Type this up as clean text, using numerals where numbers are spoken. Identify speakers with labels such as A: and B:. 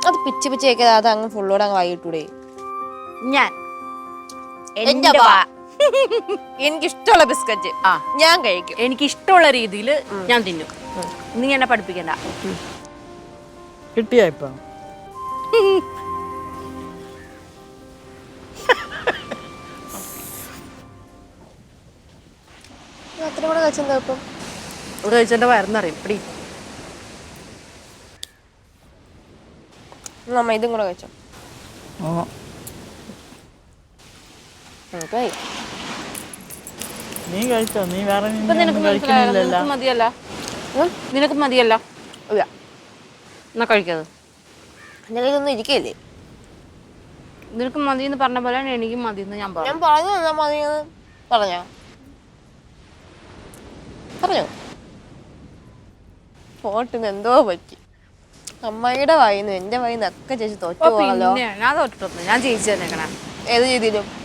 A: അത് pitch pitch വെക്കാതെ അത് അങ്ങ് ഫുള്ളോടെ അങ്ങ് വായിട്ടൂടെ?
B: ഞാൻ
A: എനിക്കിഷ്ടമുള്ള ബിസ്ക്കറ്റ് ഞാൻ കഴിക്കും.
B: എനിക്ക് ഇഷ്ടമുള്ള രീതിയിൽ ഞാൻ തിന്നും. നീ എന്നെ പഠിപ്പിക്കണ്ട.
C: കിട്ടിയ ഇപ്പൊ
A: അത്ര കൂടെ കഴിച്ചെന്താ ഇപ്പം?
B: ഇവിടെ കഴിച്ചെന്റെ വയറിന്നറിയും. പിടി
A: നമ്മ ഇതും കൂടെ കഴിച്ചോ.
C: നീ കഴിച്ചോ? നീ വേറെ
B: മതിയല്ല. നിനക്ക് മതിയല്ല.
A: ഇല്ല,
B: എന്നാ കഴിക്കത്.
A: എൻ്റെ കയ്യിലൊന്നും ഇരിക്കല്ലേ.
B: നിനക്ക് മതി എന്ന് പറഞ്ഞ പോലെ എനിക്കും മതി എന്ന് ഞാൻ പറഞ്ഞു.
A: പറഞ്ഞു തന്നാ മതിയെന്ന് പറഞ്ഞോ? പോട്ടിന് എന്തോ പറ്റി. അമ്മയുടെ വായിന്ന് എന്റെ വായിന്ന് ഒക്കെ ചേച്ചി തോറ്റു പോകല്ലോ.
B: ഞാൻ തോറ്റിട്ടൊന്നും, ഞാൻ ജയിച്ചു തന്നേക്കണേ.
A: ഏത് രീതിയിലും